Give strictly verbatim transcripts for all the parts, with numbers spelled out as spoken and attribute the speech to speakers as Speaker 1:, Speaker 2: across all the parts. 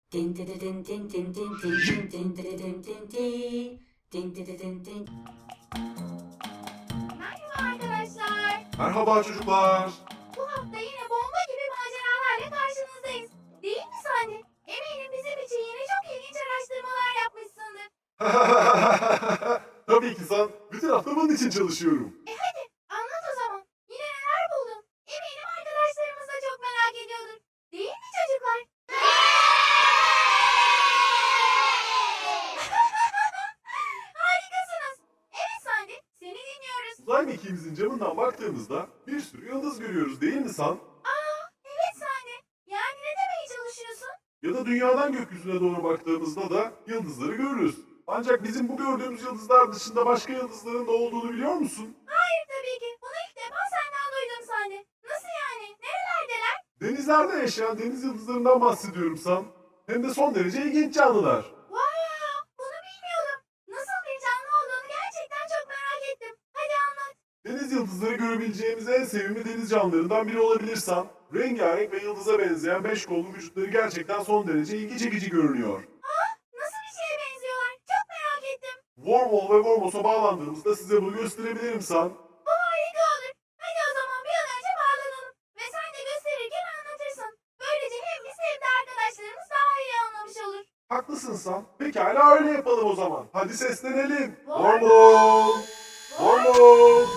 Speaker 1: Din din din din din din din din din din din din din. Din din din din.
Speaker 2: Merhaba arkadaşlar.
Speaker 3: Merhaba çocuklar.
Speaker 2: Bu hafta yine bomba gibi maceralarla karşınızdayız. Değil mi Sandi? Eminim bizim için yine çok ilginç araştırmalar yapmışsındır.
Speaker 3: Tabii ki sen. Bütün hafta bunun için çalışıyorum.
Speaker 2: E hadi anlat o zaman. Yine neler buldun? Eminim arkadaşlarımız da çok merak ediyordur. Değil mi çocuklar? Harikasınız. Evet Sandi, seni dinliyoruz.
Speaker 3: Uzay mekiğimizin camından baktığımızda bir sürü yıldız görüyoruz değil mi San?
Speaker 2: Aa, evet Sandi. Yani ne demeye çalışıyorsun?
Speaker 3: Ya da dünyadan gökyüzüne doğru baktığımızda da yıldızları görürüz. Ancak bizim bu gördüğümüz yıldızlar dışında başka yıldızların da olduğunu biliyor musun?
Speaker 2: Hayır tabii ki. Bunu ilk defa senden duydum Sandi. Nasıl yani? Nerelerdeler?
Speaker 3: Denizlerde yaşayan deniz yıldızlarından bahsediyorum San. Hem de son derece ilginç canlılar.
Speaker 2: Wow, bunu bilmiyordum. Nasıl bir canlı olduğunu gerçekten çok merak ettim. Hadi anlat.
Speaker 3: Deniz yıldızları görebileceğimiz en sevimli deniz canlılarından biri olabilirsen, rengarenk ve yıldıza benzeyen beş kollu vücutları gerçekten son derece ilgi çekici görünüyor.
Speaker 2: Nasıl bir şeye benziyorlar? Çok merak ettim.
Speaker 3: Wormhole ve Wormos'a bağlandığımızda size bunu gösterebilirim San.
Speaker 2: Bu harika olur. Hadi o zaman bir an önce bağlanalım. Ve sen de gösterirken anlatırsın. Böylece hem biz hem de arkadaşlarımız daha iyi anlamış olur.
Speaker 3: Haklısın San. Pekala öyle yapalım o zaman. Hadi seslenelim.
Speaker 2: Wormhole!
Speaker 3: Wormhole! Wormhole!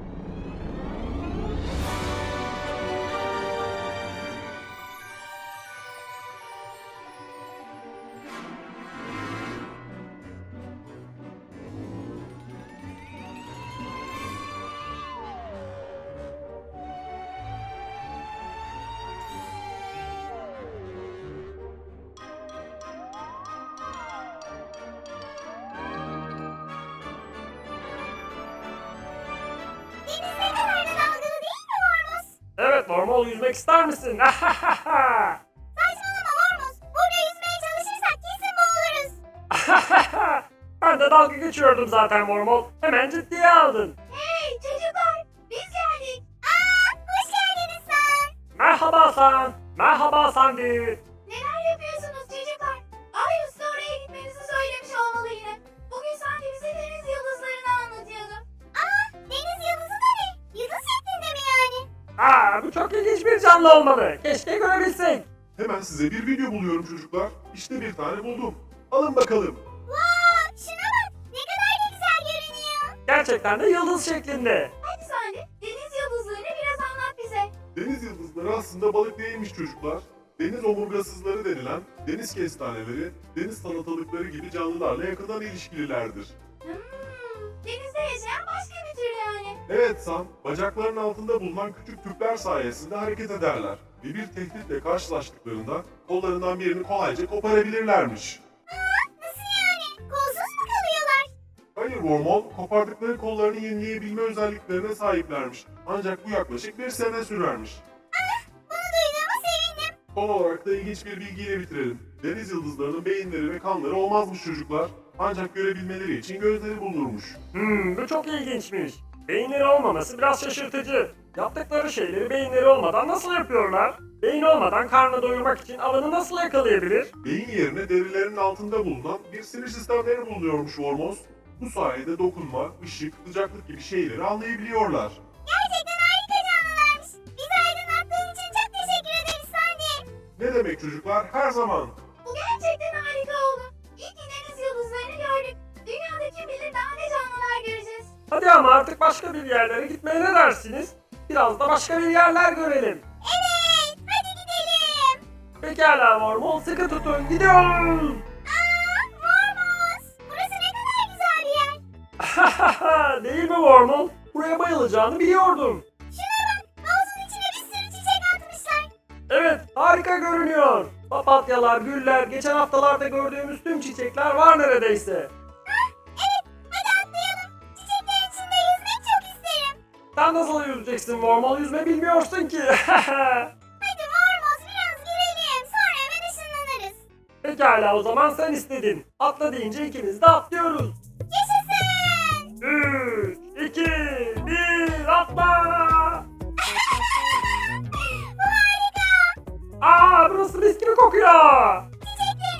Speaker 2: Deniz ne kadar da dalgalı değil mi Hormuz?
Speaker 4: Evet, normal yüzmek ister misin?
Speaker 2: Saçmalama Hormuz. Burada yüzmeye çalışırsak kesin boğuluruz.
Speaker 4: Ben de dalga geçiyordum zaten Mormol. Hemen ciddiye aldın.
Speaker 2: Hey çocuklar, biz geldik. Aa, hoş geldiniz sen.
Speaker 4: Merhaba San. Merhaba Sandy.
Speaker 2: Neler yapıyorsunuz çocuklar? Ay usta oraya gitmenizi söylemiş olmalı yine. Bugün sanki bize deniz yıldızlarını anlatıyordu. Aa, deniz yıldızı da ne? Yıldız şeklinde mi yani?
Speaker 4: Aa, bu çok ilginç bir canlı olmalı. Keşke görebilsek.
Speaker 3: Hemen size bir video buluyorum çocuklar. İşte bir tane buldum. Alın bakalım.
Speaker 2: Vaa, şuna bak. Ne kadar da güzel görünüyor.
Speaker 4: Gerçekten de yıldız şeklinde.
Speaker 2: Hadi Sandi, deniz yıldızlarını biraz anlat bize.
Speaker 3: Deniz yıldızları aslında balık değilmiş çocuklar. Deniz omurgasızları denilen deniz kestaneleri, deniz salatalıkları gibi canlılarla yakından ilişkililerdir.
Speaker 2: Hmm, denizde yaşayan başka bir tür yani.
Speaker 3: Evet Sam, bacaklarının altında bulunan küçük tüpler sayesinde hareket ederler ve bir tehditle karşılaştıklarında kollarından birini kolayca koparabilirlermiş.
Speaker 2: Nasıl yani? Kolsuz mu kalıyorlar?
Speaker 3: Hayır Wormhole, kopardıkları kollarını yenileyebilme özelliklerine sahiplermiş. Ancak bu yaklaşık bir sene sürermiş.
Speaker 2: Bunu duyduğuma sevindim.
Speaker 3: Son olarak da ilginç bir bilgiyle bitirelim. Deniz yıldızlarının beyinleri ve kanları olmazmış çocuklar. Ancak görebilmeleri için gözleri bulunurmuş.
Speaker 4: Hmm, bu çok ilginçmiş. Beyinleri olmaması biraz şaşırtıcı. Yaptıkları şeyleri beyinleri olmadan nasıl yapıyorlar? Beyin olmadan karnını doyurmak için avını nasıl yakalayabilir?
Speaker 3: Beyin yerine derilerinin altında bulunan bir sinir sistemleri bulunuyormuş Wormos. Bu sayede dokunma, ışık, sıcaklık gibi şeyleri anlayabiliyorlar.
Speaker 2: Gerçekten harika canlılarmış. Bizi aydınlattığın için çok teşekkür ederiz Sandi.
Speaker 3: Ne demek çocuklar? Her zaman.
Speaker 2: Bu gerçekten harika oldu. İyi ki deniz yıldızlarını gördük. Dünyada kim bilir daha ne canlılar göreceğiz.
Speaker 4: Hadi ama artık başka bir yerlere gitmeye ne dersiniz? Biraz da başka bir yerler görelim.
Speaker 2: Evet, hadi gidelim.
Speaker 4: Pekala Mormol, sıkı tutun, gidiyoruz.
Speaker 2: Aa, Hormuz. Burası ne kadar güzel bir yer.
Speaker 4: Değil mi Wormhole? Buraya bayılacağını biliyordum.
Speaker 2: Şuna bak, havuzun içine bir sürü çiçek atmışlar.
Speaker 4: Evet, harika görünüyor. Papatyalar, güller, geçen haftalarda gördüğümüz tüm çiçekler var neredeyse.
Speaker 2: Evet, hadi atlayalım. Çiçeklerin içinde yüzmek çok isterim.
Speaker 4: Sen nasıl yüzeceksin Wormhole? Yüzme bilmiyorsun ki.
Speaker 2: Hadi Hormuz biraz girelim, sonra hemen ışınlanırız.
Speaker 4: Pekala o zaman sen istedin. Atla deyince ikimiz de atlıyoruz.
Speaker 2: Yaşasın.
Speaker 4: üç, iki, bir, atla!
Speaker 2: Bu harika.
Speaker 4: Aa, burası mis gibi kokuyor.
Speaker 2: Çiçeklerin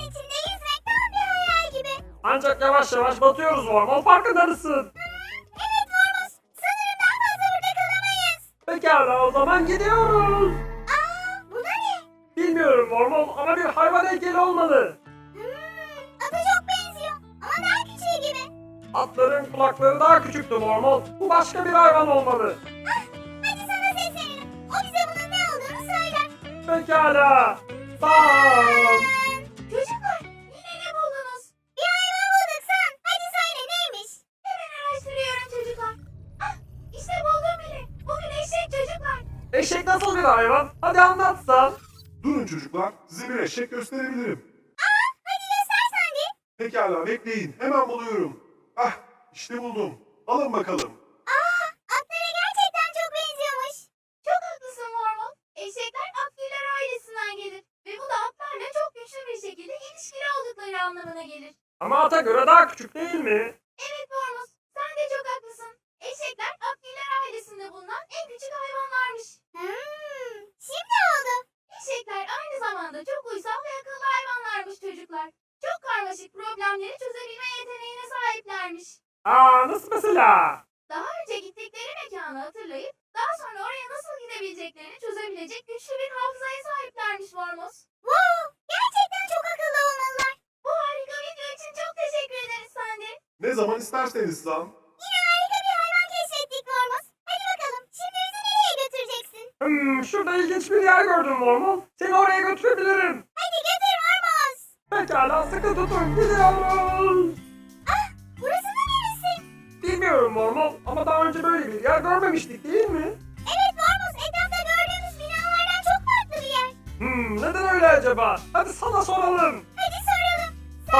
Speaker 4: Ancak yavaş yavaş batıyoruz Vormol, farkında mısın?
Speaker 2: Evet Vormuz. Sanırım daha fazla burada kalamayız.
Speaker 4: Pekala, o zaman gidiyoruz.
Speaker 2: Aa, bu da ne?
Speaker 4: Bilmiyorum Vormol ama bir hayvan heykeli olmalı.
Speaker 2: Hmm, ata çok benziyor. Ama daha küçüğü gibi.
Speaker 4: Atların kulakları daha küçüktü Vormol. Bu başka bir hayvan olmalı.
Speaker 2: Ah, hadi sana seslenelim. O bize bunun ne olduğunu söyler.
Speaker 4: Pekala. Tamam.
Speaker 2: Çocuklar, yine ne buldunuz? Bir hayvan bulduk San. Hadi söyle neymiş? Hemen araştırıyorum çocuklar. Ah, işte buldum bile. Bugün eşek çocuklar.
Speaker 4: Eşek nasıl bir hayvan? Hadi anlatsan.
Speaker 3: Durun çocuklar, size bir eşek gösterebilirim.
Speaker 2: Aa, hadi göster sen de.
Speaker 3: Pekala bekleyin, hemen buluyorum. Ah, işte buldum. Alın bakalım.
Speaker 2: Aa, atlara gerçekten çok benziyormuş. Çok haklısın Mormon. Eşekler atlılar ailesinden gelir. Ve bu da atlarla çok güçlü bir şekilde ilişkili oldukları anlamına gelir.
Speaker 4: Ama ata göre daha küçük değil mi?
Speaker 2: Evet Mormos, sen de çok haklısın. Eşekler atlılar ailesinde bulunan en küçük hayvanlarmış. Hmm, şimdi oldu. Eşekler aynı zamanda çok uysal ve akıllı hayvanlarmış çocuklar. Çok karmaşık problemleri çözebilme yeteneğine sahiplermiş.
Speaker 4: Aa, nasıl mesela?
Speaker 2: Daha önce gittikleri mekanı hatırlayıp daha sonra oraya nasıl gidebileceklerini çözebilecek güçlü bir hafızaya sahiplermiş Mormos. Wow, gerçekten çok akıllı olmalılar. Bu harika video için çok teşekkür ederiz Sandy.
Speaker 3: Ne zaman isterseniz lan.
Speaker 2: Yine harika bir hayvan keşfettik Mormos. Hadi bakalım, şimdi bizi nereye götüreceksin?
Speaker 4: Hmm, şurada ilginç bir yer gördüm Vormol. Seni oraya götürebilirim.
Speaker 2: Hadi götür Mormos.
Speaker 4: Pekala, sıkı tutun, gidiyoruz.
Speaker 2: Ah, burası da neresi?
Speaker 4: Bilmiyorum Vormol ama daha önce böyle bir yer görmemiştik değil mi?
Speaker 2: Evet Mormos, etrafta gördüğümüz binalardan çok farklı bir yer.
Speaker 4: Hmm, neden öyle acaba? Hadi sana soralım.
Speaker 2: Hadi soralım.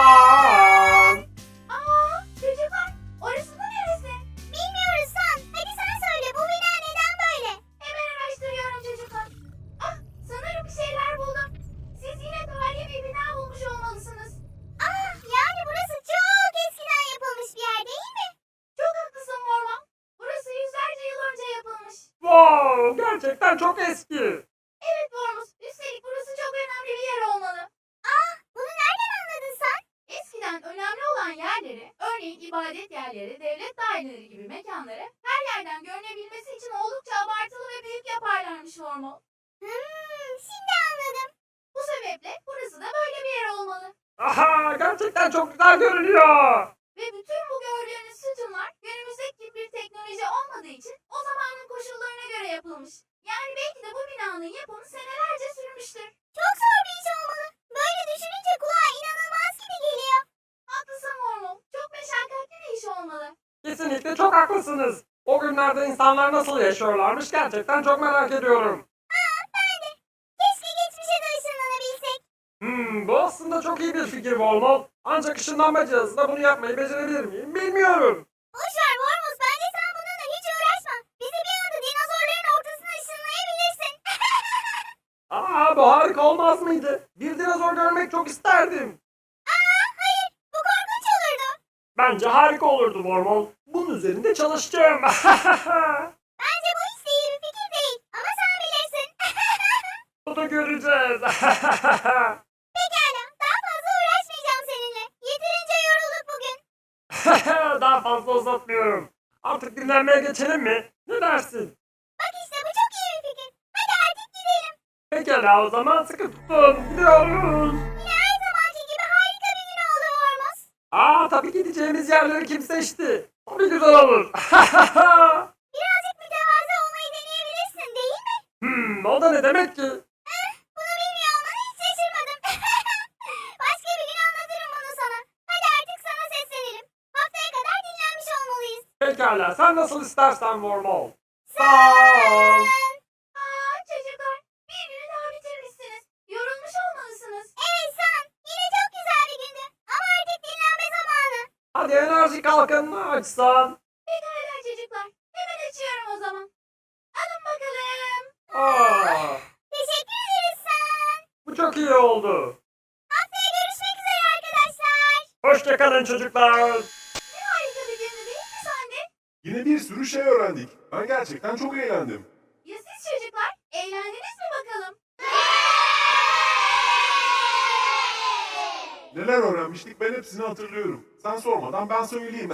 Speaker 4: Tamam.
Speaker 2: Aa, çocuklar, orası da neresi? Bilmiyoruz San. Hadi sen söyle, bu bina neden böyle? Hemen araştırıyorum çocuklar. Ah, sanırım bir şeyler buldum. Siz yine tarihi bir bina bulmuş olmalısınız. Ah, yani burası çok eskiden yapılmış bir yer değil mi? Çok haklısın Mormon. Burası yüzlerce yıl önce yapılmış.
Speaker 4: Wow, gerçekten çok eski.
Speaker 2: Evet Mormos, üstelik burası çok önemli bir yer olmalı. Ah, bunu nereden anladın sen? Eskiden önemli olan yerleri, örneğin ibadet yerleri, devlet daireleri gibi mekanları her yerden görünebilmesi için oldukça abartılı ve büyük yaparlarmış Mormon. Hmm, şimdi anladım. Bu sebeple burası da böyle bir yer olmalı.
Speaker 4: Aha, gerçekten çok güzel görünüyor.
Speaker 2: Ve bütün bu gördüğünüz sütunlar günümüzdeki gibi bir teknoloji olmadığı için o zamanın koşullarına göre yapılmış. Yani belki de bu binanın yapımı senelerce sürmüştür. Çok zor bir iş olmalı. Böyle düşününce kulağa inanılmaz gibi geliyor. Haklısın Mormon. Çok meşakkatli bir iş olmalı.
Speaker 4: Kesinlikle çok haklısınız. O günlerde insanlar nasıl yaşıyorlarmış gerçekten çok merak ediyorum.
Speaker 2: Aa, ben de. Keşke geçmişe de ışınlanabilsek.
Speaker 4: Hmm, bu aslında çok iyi bir fikir Volmol. Ancak ışınlanma cihazında bunu yapmayı becerebilir miyim bilmiyorum.
Speaker 2: Boşver Mormos. Bence sen bununla hiç uğraşma. Bizi bir anda dinozorların ortasına ışınlayabilirsin.
Speaker 4: Aa, bu harika olmaz mıydı? Bir dinozor görmek çok isterdim.
Speaker 2: Aa, hayır. Bu korkunç olurdu.
Speaker 4: Bence harika olurdu Vormol. Bunun üzerinde çalışacağım.
Speaker 2: Bence bu hiç de iyi bir fikir değil. Ama sen bilirsin.
Speaker 4: Bunu göreceğiz.
Speaker 2: Pekala. Daha fazla uğraşmayacağım seninle. Yeterince yorulduk bugün.
Speaker 4: Daha fazla uzatmıyorum. Artık dinlenmeye geçelim mi? Ne dersin?
Speaker 2: Bak işte bu çok iyi bir fikir. Hadi artık gidelim.
Speaker 4: Pekala o zaman sıkı tutun. Gidiyoruz.
Speaker 2: Yine her zamanki gibi harika bir gün oldu Vormos.
Speaker 4: Aa, tabii gideceğimiz yerleri kim seçti? Tabii güzel olur.
Speaker 2: Birazcık mütevazı olmayı deneyebilirsin değil mi?
Speaker 4: hmm, o da ne demek ki?
Speaker 2: Eh, bunu bilmiyor olmana hiç şaşırmadım. Başka bir gün anlatırım bunu sana. Hadi artık sana seslenelim. Haftaya kadar dinlenmiş olmalıyız.
Speaker 4: Pekala sen nasıl istersen Vormol. Sağ ol.
Speaker 2: Aa çocuklar, bir günü daha bitirmişsiniz. Yorulmuş olmalısınız. Evet San, yine çok güzel bir gündü. Ama artık dinlenme zamanı.
Speaker 4: Hadi enerji kalkanını açsan.
Speaker 2: Pekala çocuklar, hemen açıyorum o zaman. Alın bakalım.
Speaker 4: Aa,
Speaker 2: Teşekkür ederiz San.
Speaker 4: bu çok iyi oldu.
Speaker 2: Haftaya görüşmek üzere arkadaşlar.
Speaker 4: Hoşçakalın çocuklar.
Speaker 2: Ne harika bir gündü değil mi Sandy?
Speaker 3: Yine bir sürü şey öğrendik. Ben gerçekten çok eğlendim.
Speaker 2: Ya siz çocuklar, eğlendiniz mi bakalım?
Speaker 3: Neler öğrenmiştik ben hepsini hatırlıyorum. Sen sormadan ben söyleyeyim.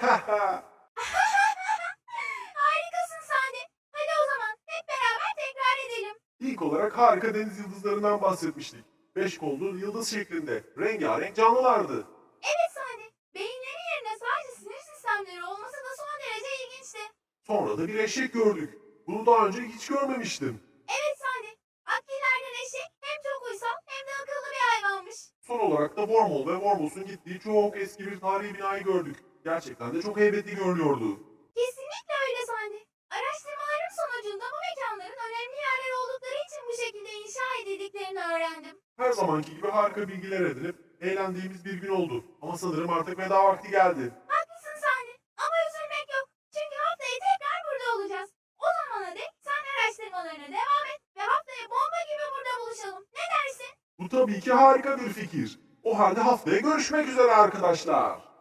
Speaker 2: Harikasın Sani. Hadi o zaman hep beraber tekrar edelim.
Speaker 3: İlk olarak harika deniz yıldızlarından bahsetmiştik. Beş kollu yıldız şeklinde. Rengarenk canlılardı.
Speaker 2: Evet Sani. Beyinleri yerine sadece sinir sistemleri olması da son derece ilginçti.
Speaker 3: Sonra da bir eşek gördük. Bunu daha önce hiç görmemiştim.
Speaker 2: Evet Sani. Akkilerden eşek hem çok uysal hem de akıllı bir hayvanmış.
Speaker 3: Son olarak da Wormhole ve Wormos'un gittiği çok eski bir tarihi binayı gördük. Gerçekten de çok heybetli görünüyordu.
Speaker 2: Kesinlikle öyle Sani. Araştırmalarım sonucunda bu mekanların önemli yerler oldukları için bu şekilde inşa edildiklerini öğrendim.
Speaker 3: Her zamanki gibi harika bilgiler edinip eğlendiğimiz bir gün oldu. Ama sanırım artık veda vakti geldi.
Speaker 2: Haklısın Sani. Ama üzülmek yok. Çünkü haftaya tekrar burada olacağız. O zamana dek sen araştırmalarına devam et ve haftaya bomba gibi burada buluşalım. Ne dersin?
Speaker 3: Bu tabii ki harika bir fikir. O halde haftaya görüşmek üzere arkadaşlar.